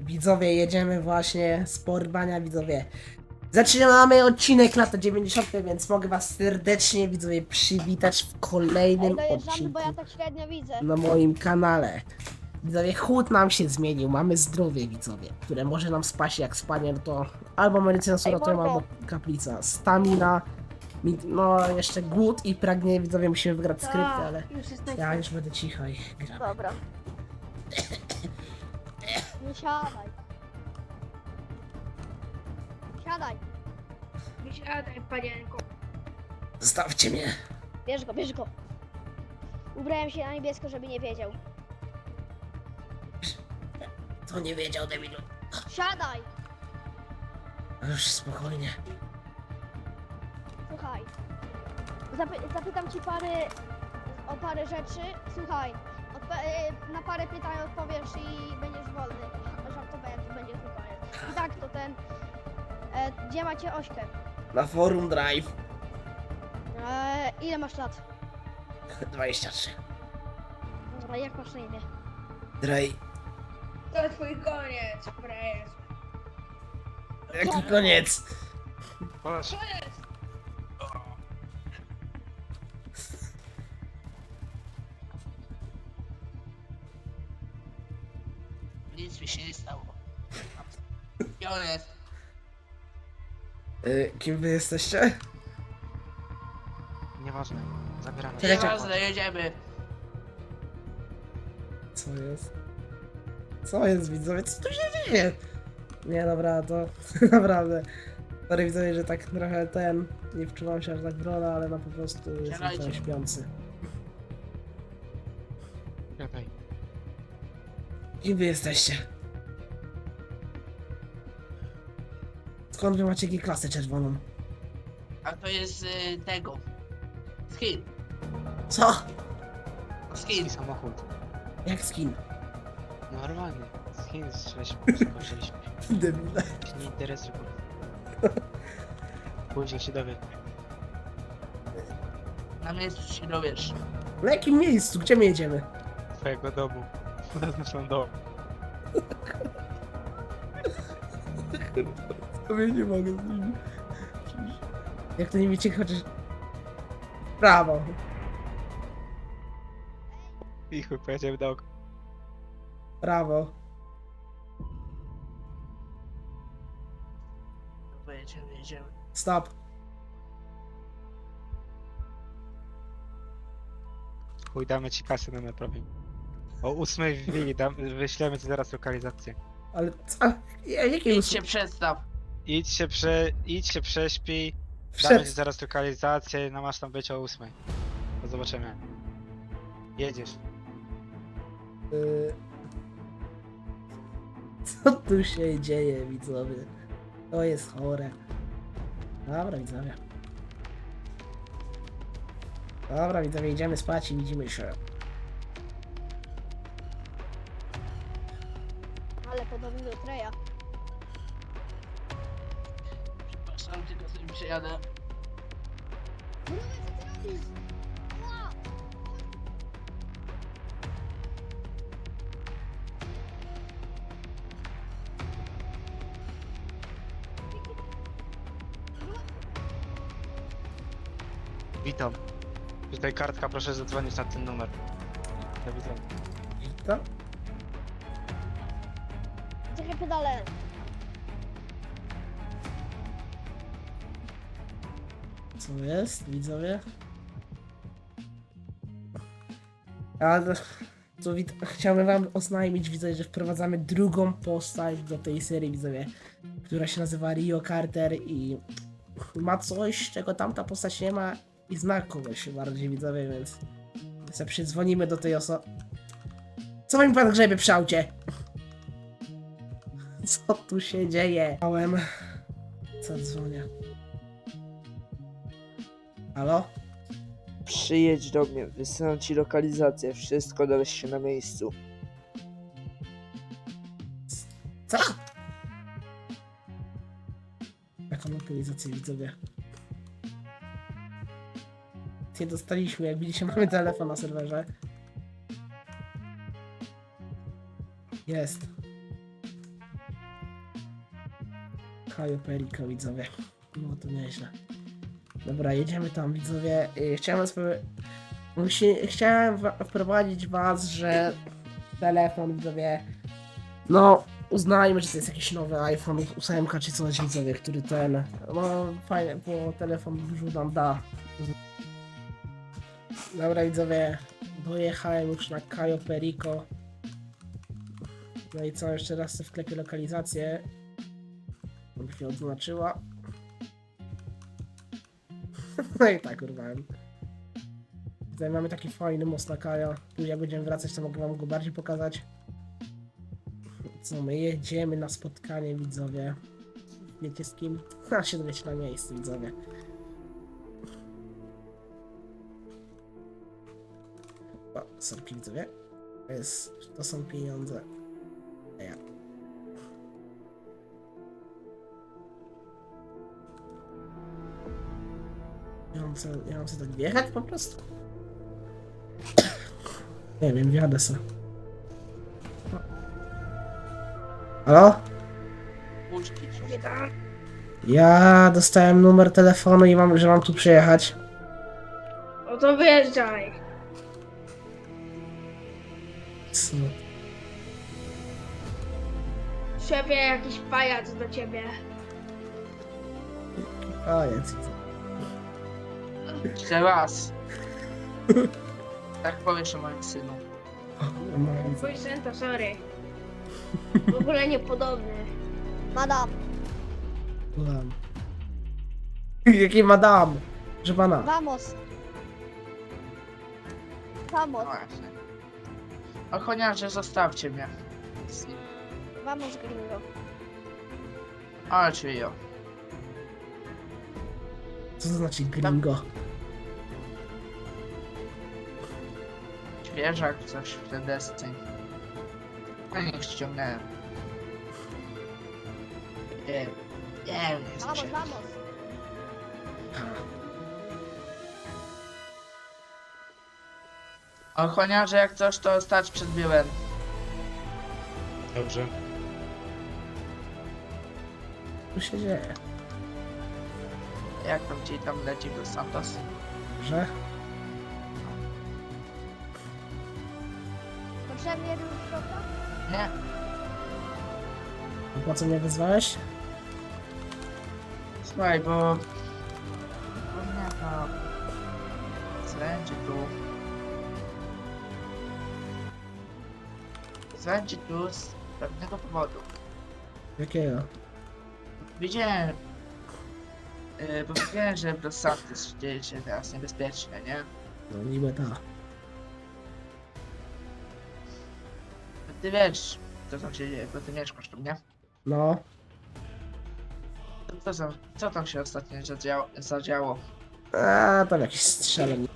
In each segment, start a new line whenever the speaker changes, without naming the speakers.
Widzowie, jedziemy właśnie z porwania, widzowie. Zaczynamy odcinek lata 90., więc mogę was serdecznie, widzowie, przywitać w kolejnym
Dojeżdżamy, bo ja
odcinku
tak średnio widzę.
na moim kanale. Widzowie, chłód nam się zmienił, mamy zdrowie, widzowie, które może nam spaść. Jak spadnie, no to albo medycyna suratują,
mordo.
albo kaplica. Stamina, no jeszcze głód i pragnienie, widzowie, musimy wygrać skrypty, ale
Już jest
ja już będę cicho i gram.
Dobra. Nie siadaj. Siadaj.
Nie siadaj, panienko.
Zostawcie mnie.
Bierz go, bierz go. Ubrałem się na niebiesko, żeby nie wiedział.
To nie wiedział, debilu.
Siadaj.
Już spokojnie.
Słuchaj. Zapytam ci o parę rzeczy. Słuchaj. Na parę pytań odpowiesz i będziesz wolny. Żartowałem, to będzie tylko koniec. I tak to ten... gdzie macie Ośkę?
Na forum Drive.
Ile masz lat?
23.
Dobra, jak masz na imię?
Drej.
To twój koniec, frajerz.
Jaki koniec?
Co jest?
Nic mi się nie stało. Gdzie on jest?
Kim wy jesteście?
Nieważne, zabieramy.
Czekajcie.
Nieważne, jedziemy.
Co jest? Co jest, widzowie? Co tu się dzieje? Nie, dobra, to naprawdę. Sorry, widzowie, że tak trochę nie wczuwam się aż tak w rolę, ale no po prostu jestem
Siadajcie.
trochę śpiący.
Gadaj.
Kim wy jesteście? Skąd wy macie G-klasę czerwoną?
A to jest tego. Skin.
Co?
Skin.
I samochód.
Jak skin?
Normalnie. Skin skończyliśmy.
Debile.
Się nie interesuj. Później się dowie.
Na miejscu się dowiesz.
Na jakim miejscu? Gdzie my jedziemy?
Twojego domu. Zaznaczam dom.
Sobie nie mogę z nimi. Jak to nie wiecie, chociaż... Prawo.
I chuj, pojedziemy do oka.
Prawo.
Jedziemy.
Stop.
Chuj, damy ci kasę na naprawię. O 8 w Wili, wyślemy ci zaraz lokalizację.
Ale co? Jakie
Idź się przedstaw.
Idź się prześpij.
Przed-
Damy ci zaraz lokalizację, no masz tam być o 8. To zobaczymy. Jedziesz.
Y, Co tu się dzieje, widzowie? To jest chore. Dobra, widzowie. Dobra, widzowie, idziemy spać i widzimy się.
Ale podobny do Treja.
Przepraszam, tylko sobie przejadę.
Witam. Tutaj kartka, proszę zadzwonić na ten numer. Do widzenia.
To?
Czekaj pedale.
Co jest, widzowie? Ale chciałbym wam oznajmić, widzowie, że wprowadzamy drugą postać do tej serii, widzowie, która się nazywa Rio Carter i ma coś, czego tamta postać nie ma i zna kogoś bardziej, widzowie, więc sobie przydzwonimy do tej osoby. Co mi pan grzebie przy aucie? Co tu się dzieje? Małem. Co dzwonię? Halo?
Przyjedź do mnie, wysyłam ci lokalizację, wszystko dowiesz się na miejscu.
Co? Jaką lokalizację, widzowie? Nie dostaliśmy, jak widzicie, mamy telefon na serwerze. Jest. Kajo Perico, widzowie. No to nieźle. Dobra, jedziemy tam, widzowie. Chciałem wprowadzić was, że telefon, widzowie, no uznajmy, że to jest jakiś nowy iPhone 8 czy coś, widzowie, który no fajnie, bo telefon dużo nam da. Dobra, widzowie, dojechałem już na Cayo Perico. No i co, jeszcze raz sobie wklepię lokalizację. Żeby się odznaczyła. No i tak urwałem. Tutaj mamy taki fajny most na Cayo. Tu jak będziemy wracać, to mogę wam go bardziej pokazać. Co, my jedziemy na spotkanie, widzowie. Wiecie z kim? Się dowiecie na miejscu, widzowie. O, sorki, widzowie. To są pieniądze. Ja. Ja mam sobie tak wjechać po prostu? Nie wiem, wjadę se. Halo?
Puszki.
Ja dostałem numer telefonu i że mam tu przyjechać.
No to wyjeżdżaj.
Co?
Szefie, jakiś pajac do ciebie.
A, jest.
Jeszcze raz. Tak powiesz o moim synu.
Twój syn to sorry. W ogóle niepodobny.
Madam,
Madam. Jaki madam? Że pana.
vamos. Vamos,
No właśnie. Ochroniarze, zostawcie mnie.
vamos gringo.
Ale czy jo.
Co to znaczy gringo?
Świeżak, coś w tej desce. A niech ściągnąłem. Nie wiem, jest
Vamos,
się.
vamos.
Ochroniarze, jak coś, to stać przed biurem.
Dobrze.
Co się dzieje?
Jak tam ci tam leci do Santos?
Że?
Potrzebny jeden środka?
Nie.
Po co mnie wyzwałeś?
Słuchaj, bo... Nie no... Zręczy tu... Zręczy tu z pewnego powodu.
Jakiego?
Widziałem... bo widziałem, że w Los Santos dzieje się teraz niebezpiecznie, nie?
No niby ta.
Ty wiesz, co tam się dzieje, bo ty mieszkasz tu, nie?
No.
Co tam się ostatnio zadziało?
A tam jakiś strzeleń.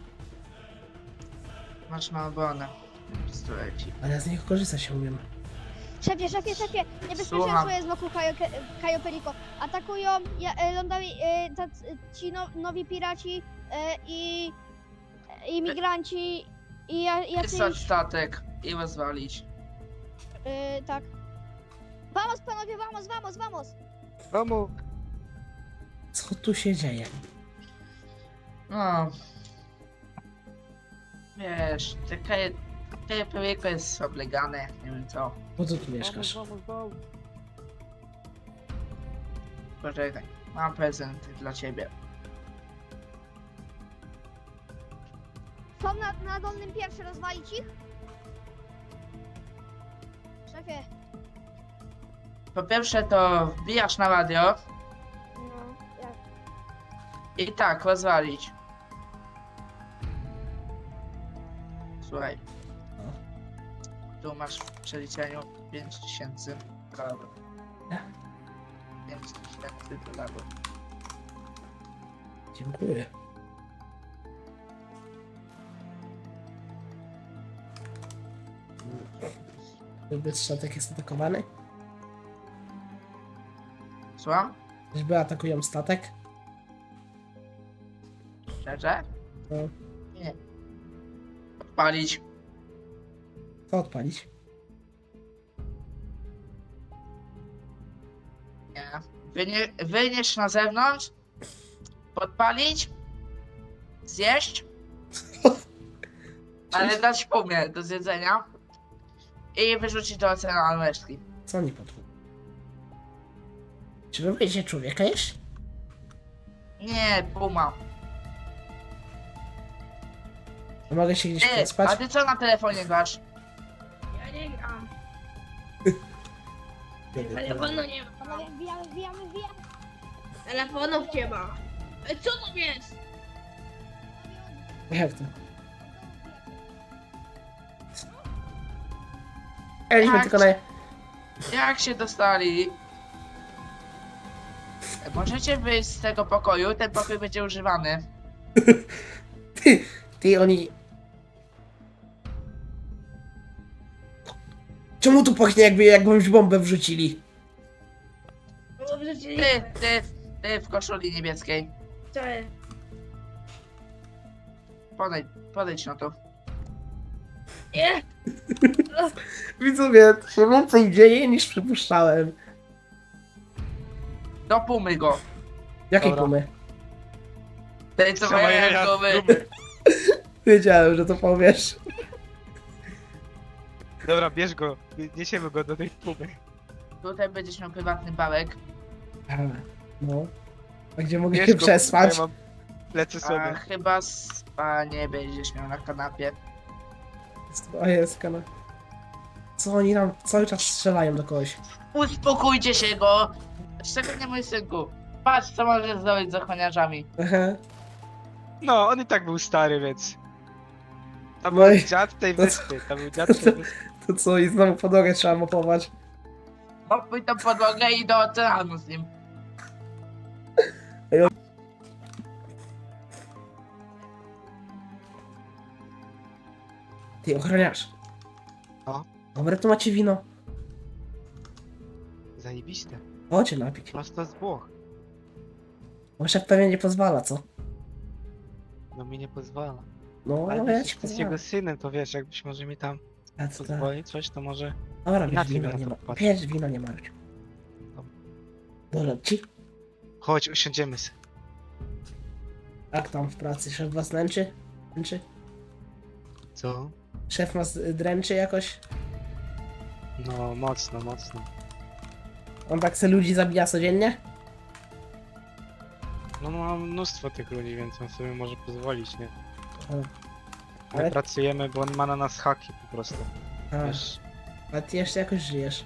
Masz na obronę. Pistoleci.
Ale ja z niego korzystać się umiem.
Szefie, niebezpieczeństwo
Słucham.
jest wokół Cayo Perico. Atakują lądowi ci nowi piraci i imigranci i
Wysłać
jacyś...
statek i rozwalić.
Tak. Vamos panowie, vamos!
Mamo,
Co tu się dzieje?
No. Wiesz, te projekty jest oblegane, nie wiem co.
Po co tu mieszkasz?
Poczekaj, mam prezent dla ciebie.
Są na dolnym pierwszy, rozwalić ich? Szefie.
Po pierwsze to wbijasz na radio
No, jak?
i tak, rozwalić. Słuchaj. Tu masz w przeliczeniu 5000 dolarów.
Ja?
5000 dolarów.
Dziękuję. Czyżby statek jest atakowany?
Słucham?
Czyżby atakują statek?
Szczerze?
No.
Nie. Odpalić.
Co odpalić?
Nie. Wynieść na zewnątrz, podpalić, zjeść, ale dać pumie do zjedzenia i wyrzucić do oceanu resztki.
Co oni podpół? Czy wy będziecie człowieka jeść?
Nie, puma.
Mogę się gdzieś
Ty, a
przespać?
ty co na telefonie grasz?
Ja nie gram. Telefonu nie ma.
Panowie, wbijamy.
Telefonów nie ma. Co to jest?
Jak to? Mieliśmy
Tak.
tylko na...
Jak się dostali? Możecie wyjść z tego pokoju, ten pokój będzie używany.
Ty, oni... Czemu tu pachnie jakby jakąś bombę wrzucili?
Dobrze ci
Ty w koszuli niebieskiej.
Co jest?
Podejdź no tu.
Nie!
Widzowie, to się więcej dzieje niż przypuszczałem.
Do pumy go.
Jakiej
Dobra.
pumy?
Tej co
Sama
mają
jaja
głowy.
z gumy.
Wiedziałem, że to powiesz.
Dobra, bierz go, niesiemy go do tej pumy.
Tutaj będziesz miał prywatny bałek.
No. A gdzie mogę
Bierz
się
go,
przespać?
ja mam lecę
A
sobie.
chyba spanie będziesz miał na kanapie.
O jest, kana. Co oni nam cały czas strzelają do kogoś?
Uspokójcie się go! Szczególnie mój synku. Patrz co możesz zrobić z ochroniarzami.
Aha.
No, on i tak był stary, więc... To
No
był
i-
dziad tej
to
wyspy, to był dziad tej wyspy.
To co, i znowu podłogę trzeba mopować.
Mopuj tą podłogę i do oceanu z nim.
Ty, ochroniarz.
No?
Dobre, tu macie wino.
Zajebiste.
Chodźcie napić.
Prosto z Włoch.
Bo szef pewnie nie pozwala, co?
No mi nie pozwala.
No,
Ale
ale ja
wiesz,
ci
z jego
pozwalam.
synem, to wiesz, jakbyś może mi tam
A co to?
pozwolić coś, to może...
Dobra, bierz
inaczej
wino,
bym na
nie
to
ma.
popatrzył.
Bierz wino, nie marudź. Dobra, ci?
Chodź, usiądziemy sobie.
Jak tam w pracy? Szef was nęczy? Nęczy?
Co?
Szef was dręczy jakoś?
No, mocno, mocno.
On tak se ludzi zabija codziennie?
No mam mnóstwo tych ludzi, więc on sobie może pozwolić, nie? My
Ale-
pracujemy, bo on ma na nas haki po prostu.
A,
Wiesz?
a ty jeszcze jakoś żyjesz.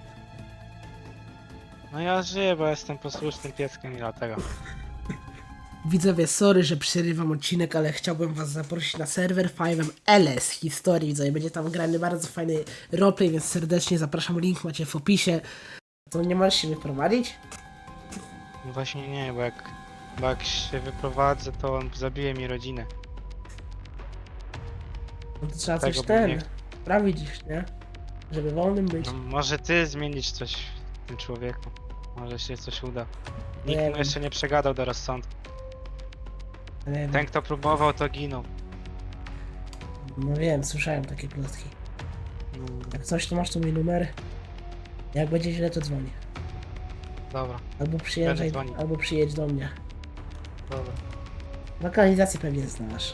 No ja żyję, bo jestem posłusznym pieskiem i dlatego.
Widzowie, sorry, że przerywam odcinek, ale chciałbym was zaprosić na serwer 5LS historii. Widzowie, będzie tam grany bardzo fajny roleplay, więc serdecznie zapraszam, link macie w opisie. To nie możesz się wyprowadzić?
No właśnie nie, bo jak się wyprowadzę, to on zabije mi rodzinę.
No to trzeba
Tego
coś
bym nie
sprawić, nie? Żeby wolnym być.
No, może ty zmienić coś w tym człowieku. Może się coś uda.
Nie
Nikt mu
wiem.
jeszcze nie przegadał do rozsądku.
Nie wiem.
Ten kto próbował, to ginął.
No wiem, słyszałem takie plotki.
No,
Jak coś, to masz tu mój numer. Jak będzie źle, to dzwoni.
dobra,
Albo przyjeżdżaj,
dzwonił.
albo przyjedź do mnie.
dobra.
Lokalizację pewnie znasz.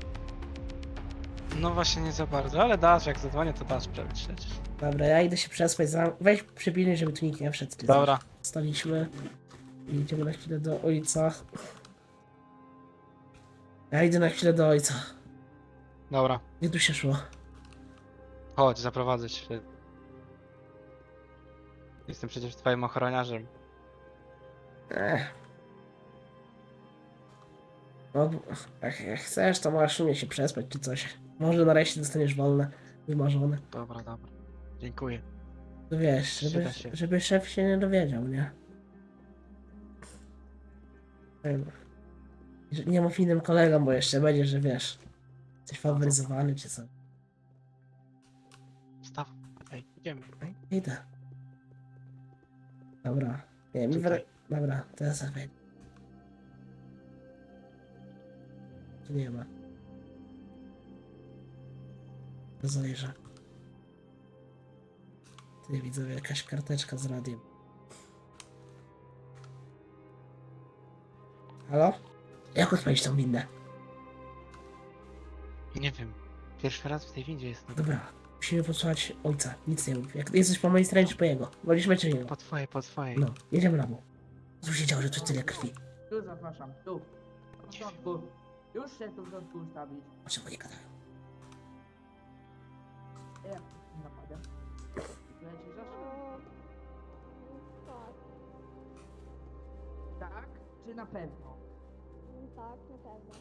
No właśnie nie za bardzo, ale dasz, jak zadzwonię, to dasz przecież.
Dobra, ja idę się przespać. Weź przypilnuj, żeby tu nikt nie wszedł.
Dobra,
Staliśmy i idziemy na chwilę do ojca. Ja idę na chwilę do ojca.
dobra.
Gdzie tu się szło?
Chodź, zaprowadzę cię. Jestem przecież twoim ochroniarzem.
Ech. No, jak chcesz, to możesz u mnie się przespać czy coś. Może nareszcie dostaniesz wolne, wymarzone.
Dobra, dobra. Dziękuję.
To wiesz,
Przyda się.
żeby szef się nie dowiedział, nie? Nie mów innym kolegom, bo jeszcze będzie, że wiesz, jesteś faworyzowany czy co.
Staw. Ej, idziemy.
Idę. Dobra. Nie, mi
Tutaj.
Dobra, teraz zawędź. Tu nie ma. To zajrzę. Ty widzowie, jakaś karteczka z radiem. Halo? Jak odpalić tą windę?
Nie wiem. Pierwszy raz w tej windzie jestem.
Dobra, musimy posłuchać ojca. Nic nie mów. Jak jesteś po mojej stronie, czy po jego? Wolisz czy jego?
Po twojej.
No, jedziemy na bok. Co się działo, że tu tyle krwi?
Tu zapraszam, tu. W porządku. Już się tu w porządku ustawić.
O czym oni gadają?
Jak napada? Leci zaszło?
Tak,
Tak? Czy na pewno?
tak, na pewno.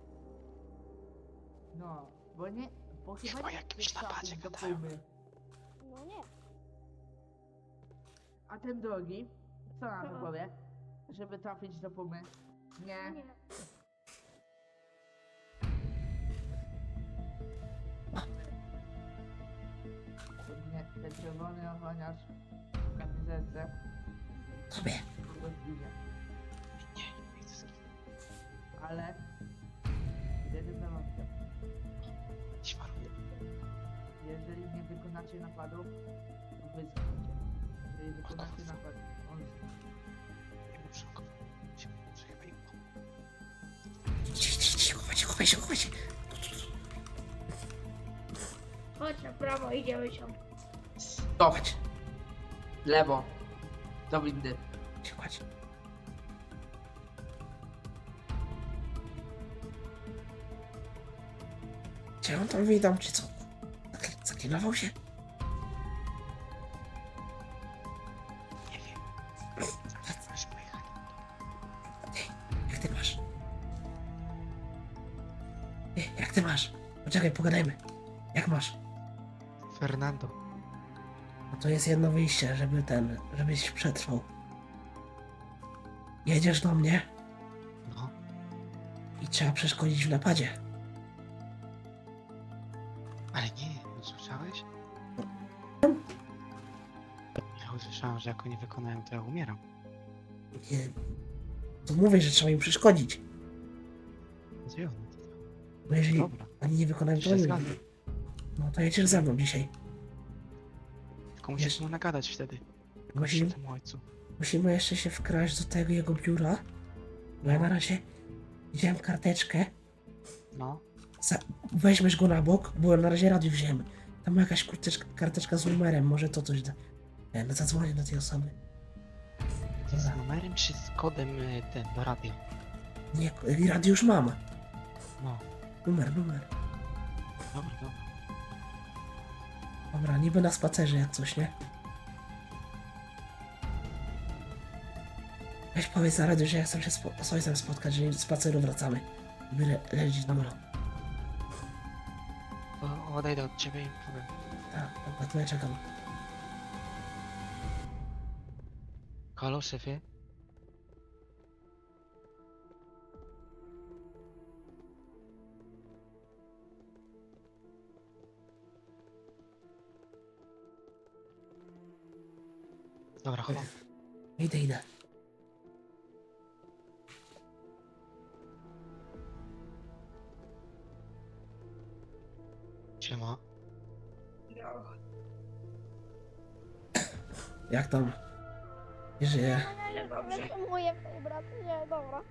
No, bo nie... Bo chyba
o
nie
jakimś
chcesz
napadzie
trafić do
gadają.
pumy.
No nie.
A ten drugi, co na to powie? Żeby trafić do pumy? Nie. Ten czerwony ochroniarz w kamizelce
Tobie.
kogoś ginie.
Nie chcę zginąć.
Ale... z jednym warunkiem.
Jakiś warunek.
Jeżeli nie wykonacie napadu, to wy zginiecie. Jeżeli wykonacie napad, on zginie.
Nie muszę go. Muszę chyba im
Chowaj się, chowaj się.
Chodź na prawo, idziemy tam.
Stop! Lewo. Do windy.
Chodź. Czy on tam widział, czy co? Zaklinował się?
Nie wiem. Zaraz pojechali.
Jak ty masz? Jak ty masz? Poczekaj, pogadajmy. Jak masz?
Fernando.
No to jest jedno wyjście, żebyś przetrwał. Jedziesz do mnie
No.
i trzeba przeszkodzić w napadzie.
Ale nie słyszałeś? Ja usłyszałem, że jak oni wykonają, to ja umieram.
Nie. To mówię, że trzeba im przeszkodzić.
Gdzie one?
No jeżeli
Dobra.
oni nie wykonają, to
Się
oni.
zgadzam.
No to jedziesz ze mną dzisiaj.
Tylko musisz mu nagadać wtedy.
Musimy,
Temu ojcu.
musimy jeszcze się wkraść do tego jego biura. Bo ja na razie wziąłem karteczkę.
No.
Weźmiesz go na bok, bo na razie radio wziąłem. Tam jakaś karteczka z numerem, może to coś da. No zadzwonię do tej osoby.
Z
Dobra.
numerem czy z kodem ten do radia?
Nie, radio już mam.
No.
Numer.
Dobra.
Dobra, niby na spacerze jak coś, nie? Weź powiedz na radio, że ja chcę się z ojcem spotkać, że z spaceru wracamy. By lecieć do molo.
To odejdę od ciebie i powiem.
Tak, dobra, to ja czekam.
Halo, szefie? Dobra, chowam.
Idę.
Siema.
Jak tam? Nie żyje.
Ale dobrze.
To moje brat, nie, dobra.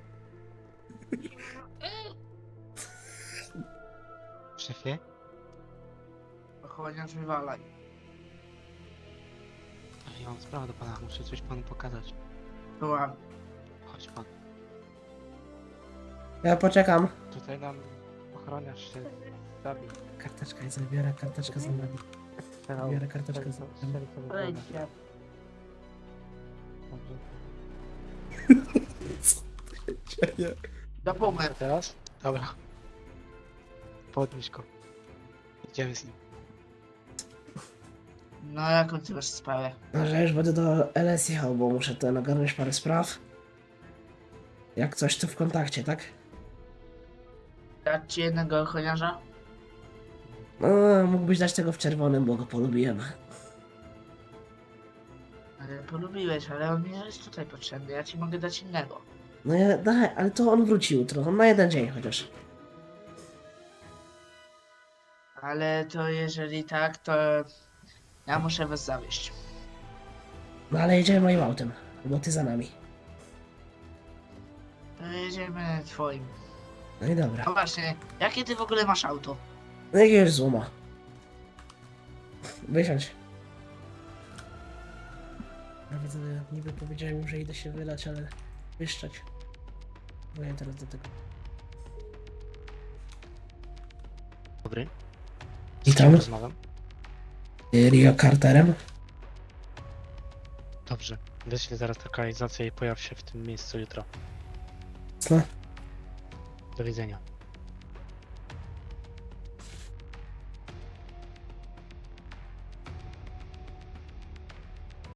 Szefie?
Ochroniarz wywalaj.
Ale ja mam sprawę do pana, muszę coś panu pokazać.
Byłam.
Chodź pan.
Ja poczekam.
Tutaj nam ochroniarz się zabił.
Karteczka jest, zabiorę karteczkę z numerem.
Strzelał.
Biorę karteczkę z
Strzelił
numerem.
sobie w głowę.
Wejdźcie.
Dobrze.
Do pumy.
A teraz? Dobra. Podnieś go. Idziemy z nim.
No jaką ty masz sprawę?
No, że już będę do LS jechał, bo muszę to nagarnąć parę spraw. Jak coś, to w kontakcie, tak?
Dać ci jednego ochroniarza?
No, mógłbyś dać tego w czerwonym, bo go polubiłem.
Ale polubiłeś, ale on nie jest tutaj potrzebny, ja ci mogę dać innego.
No ja, daj, ale to on wróci jutro, on na jeden dzień chociaż.
Ale to jeżeli tak, to ja muszę was zawieźć.
No ale jedziemy moim autem, bo ty za nami.
jedziemy twoim.
No i dobra.
A właśnie, jakie ty w ogóle masz auto?
No jakiegoś złoma. Wysiądź. Nawet niby powiedziałem im, że idę się wylać, ale wyszczać. Byłem teraz do tego.
Dobry.
Witam.
Rozmawiam.
Rio Carterem.
Dobrze. Wyślę zaraz lokalizację i pojaw się w tym miejscu jutro.
Co?
Do widzenia.